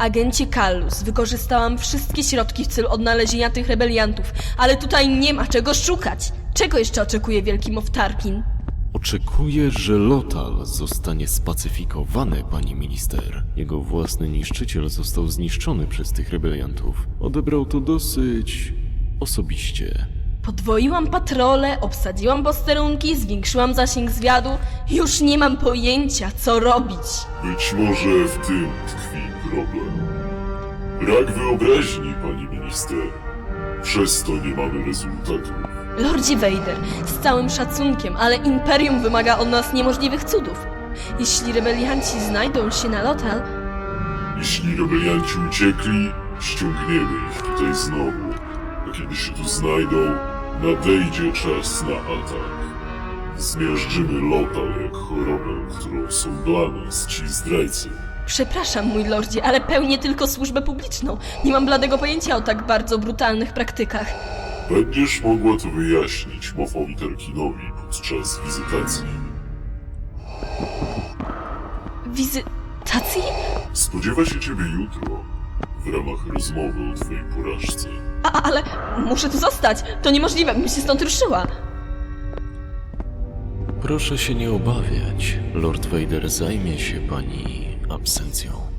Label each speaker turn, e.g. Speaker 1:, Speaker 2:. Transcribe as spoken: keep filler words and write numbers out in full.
Speaker 1: Agencie Kallus, wykorzystałam wszystkie środki w celu odnalezienia tych rebeliantów, ale tutaj nie ma czego szukać. Czego jeszcze oczekuje wielki Moff Tarkin?
Speaker 2: Oczekuję, że Lothal zostanie spacyfikowany, pani minister. Jego własny niszczyciel został zniszczony przez tych rebeliantów. Odebrał to dosyć osobiście.
Speaker 1: Podwoiłam patrole, obsadziłam posterunki, zwiększyłam zasięg zwiadu. Już nie mam pojęcia, co robić.
Speaker 3: Być może w tym tkwi problem. Brak wyobraźni, pani minister. Przez to nie mamy rezultatu.
Speaker 1: Lordzie Vader, z całym szacunkiem, ale Imperium wymaga od nas niemożliwych cudów. Jeśli rebelianci znajdą się na Lothal,
Speaker 3: Jeśli rebelianci uciekli, ściągniemy ich tutaj znowu. A kiedy się tu znajdą, nadejdzie czas na atak. Zmiażdżymy Lothal jak chorobę, którą są dla nas ci zdrajcy.
Speaker 1: przepraszam, mój lordzie, ale pełnię tylko służbę publiczną. Nie mam bladego pojęcia o tak bardzo brutalnych praktykach.
Speaker 3: Będziesz mogła to wyjaśnić Moffowi Tarkinowi podczas wizytacji.
Speaker 1: Wizytacji?
Speaker 3: Spodziewa się ciebie jutro, w ramach rozmowy o twojej porażce.
Speaker 1: A, ale muszę tu zostać. To niemożliwe, bym się stąd ruszyła.
Speaker 2: Proszę się nie obawiać. Lord Vader zajmie się pani absencją.